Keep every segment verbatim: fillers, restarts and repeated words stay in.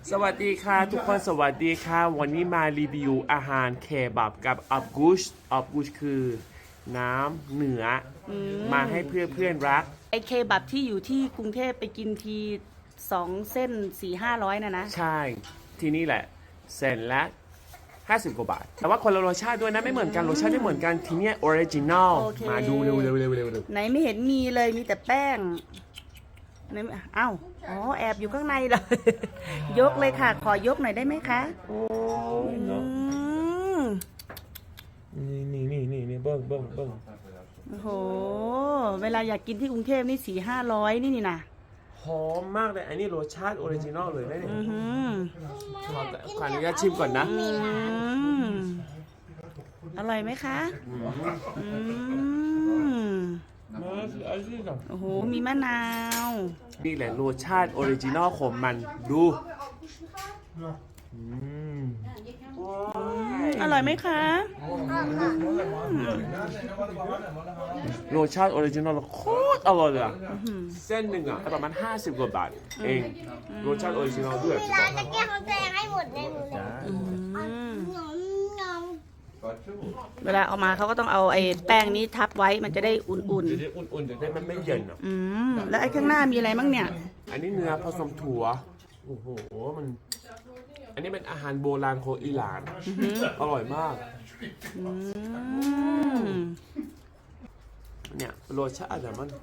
สวัสดีค่ะทุกคนสวัสดีค่ะวันนี้มารีวิวอาหารเคบับกับอับกุชอับกุชคือน้ำเหนือมาให้เพื่อนเพื่อนรักไอเคบับที่อยู่ที่กรุงเทพไปกินทีสองเส้นสี่ห้าร้อยนะนะใช่ที่นี่แหละเส้นละห้าสิบกว่าบาทแต่ว่าคนละรสชาติด้วยนะไม่เหมือนกันรสชาติไม่เหมือนกันทีเนี้ยออริจินอลมาดูเร็วเร็วเร็วเร็วไหนไม่เห็นมีเลยมีแต่แป้งไหนอ้าวอ๋อแอบอยู่ข้างในเลย ยกเลยค่ะขอยกหน่อยได้ไหมคะโอ้ยเนาะนี่นี่นี่นี่นี่เบิ้งเบิ้งเบิ้งโอ้โหเวลาอยากกินที่กรุงเทพนี่สี่ห้าร้อยนี่นี่นะหอมมากเลยอันนี้รสชาติออริจินอลเลยนะเนี่ยขอขออนุญาตชิมก่อนนะอร่อยไหมคะโอ้โหมีมะนาวนี่แหละรสชาติออริจินอลของมันดูอร่อยไหมคะรสชาติออริจินอลโคตรอร่อยเลยอะเส้นหนึ่งอะประมาณห้าสิบกว่าบาทเองรสชาติออริจินอลด้วยร้านจะแก้ของตัวเองให้หมดในมือเวลาเอามาเขาก็ต้องเอาไอ้แป้งนี้ทับไว้มันจะได้อุ่นๆจะได้อุ่นๆจะได้มันไม่เย็นอ่ะอืมแล้วไอ้ข้างหน้ามีอะไรบ้างเนี่ยอันนี้เนื้อผสมถั่วโอ้โหมันอันนี้เป็นอาหารโบราณของอิหร่านอร่อยมากเนี่ยรสชาติแต่มัน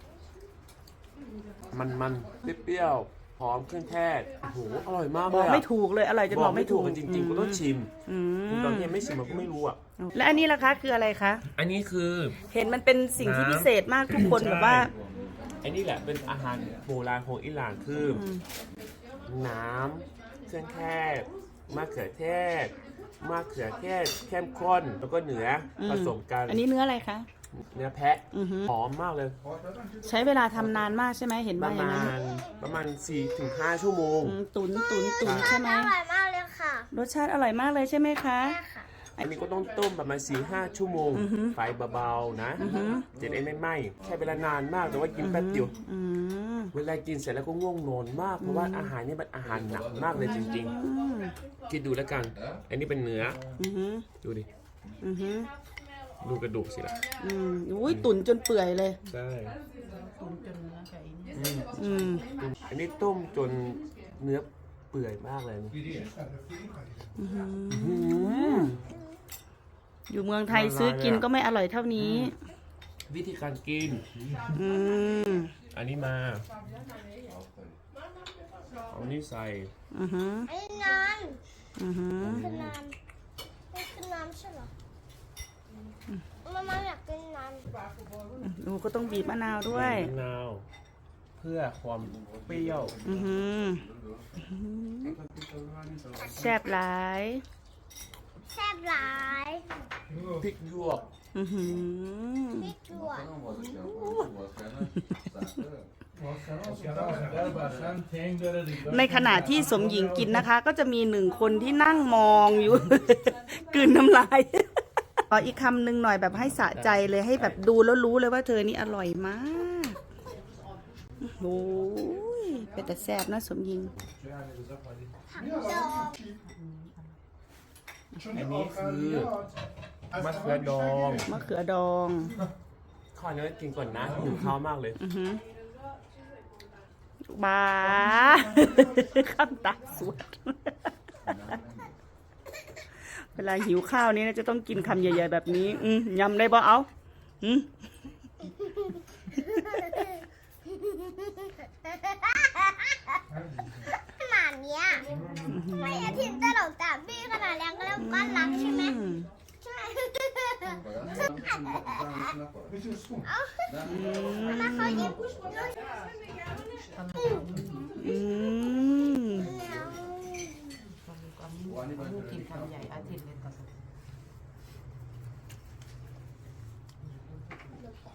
มันมันเปรี้ยวหอมเครื่องเทศโอ้โหอร่อยมากเลยบอกไม่ถูกเลยอร่อยจนบอกไม่ถูกจริงๆก็ต้องชิมตอนนี้ไม่ชิมมันก็ไม่รู้อ่ะและอันนี้ล่ะคะคืออะไรคะอันนี้คือเห็นมันเป็นสิ่งที่พิเศษมากทุกคนแบบว่าอันนี้แหละเป็นอาหารโบราณของอิหร่านคือน้ำเครื่องเทศมะเขือเทศมะเขือเทศเข้มข้นแล้วก็เนื้อผสมกันอันนี้เนื้ออะไรคะเนื้อแพะหอมมากเลยใช้เวลาทำนานมากใช่ไหมเห็นว่าอย่างนั้นประมาณประมาณสี่ถึงห้าชั่วโมงตุ๋นตุ๋นตุ๋นใช่ไหมอร่อยมากเลยค่ะรสชาติอร่อยมากเลยใช่ไหมคะอันนี้ก็ต้องต้มประมาณสี่ห้าชั่วโมงไฟเบาๆนะจะได้ไม่ไหม้ใช้เวลานานมากแต่ว่ากินแป๊บเดียวเวลากินเสร็จแล้วก็ง่วงนอนมากเพราะว่าอาหารนี่เป็นอาหารหนักมากเลยจริงๆคิดดูแล้วกันอันนี้เป็นเนื้อดูดิดูกระดูกสิล่ะอืมอุ้ยตุ๋นจนเปื่อยเลยใช่ตุ๋นจนเนื้อไก่อืมอันนี้ต้มจนเนื้อเปื่อยมากเลยอยู่เมืองไทยซื้อกินก็ไม่อร่อยเท่านี้วิธีการกินอันนี้มาเอานี่ใส่อันนี้นานคือนานนี่คือนานใช่หรอมามาอยากกินน้ำหนูก็ต้องบีบมะนาวด้วยมะนาวเพื่อความเปรี้ยวแซ่บหลายแซ่บหลายพริกหยวกพริกหยวกในขณะที่สมหญิงกินนะคะก็จะมีหนึ่งคนที่นั่งมองอยู่ กลืนน้ำลายขออีกคำหนึ่งหน่อยแบบให้สะใจเลยให้แบบดูแล้วรู้เลยว่าเธอนี่อร่อยมากโอ้ยเป็นแต่แซ่บนะสมหญิงอันนี้คือมะเขือดองมะเขือดองข้าวเนื้อกินก่อนนะหิวข้าวมากเลยบ้าข้ามตาสวดเวลาหิวข้าวนี้นะจะต้องกินคำใหญ่ๆแบบนี้ยำได้บ่เอาขนาดนี้ไม่อาทิตย์ตลกจากพี่ขนาดแรงก็แล้วก้อนรักใช่ไหมใช่เอามาเขายิ้มอืม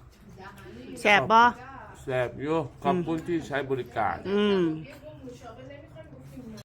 แซ่บบ่แซ่บอยู่ขอบคุณที่ใช้บริการอืม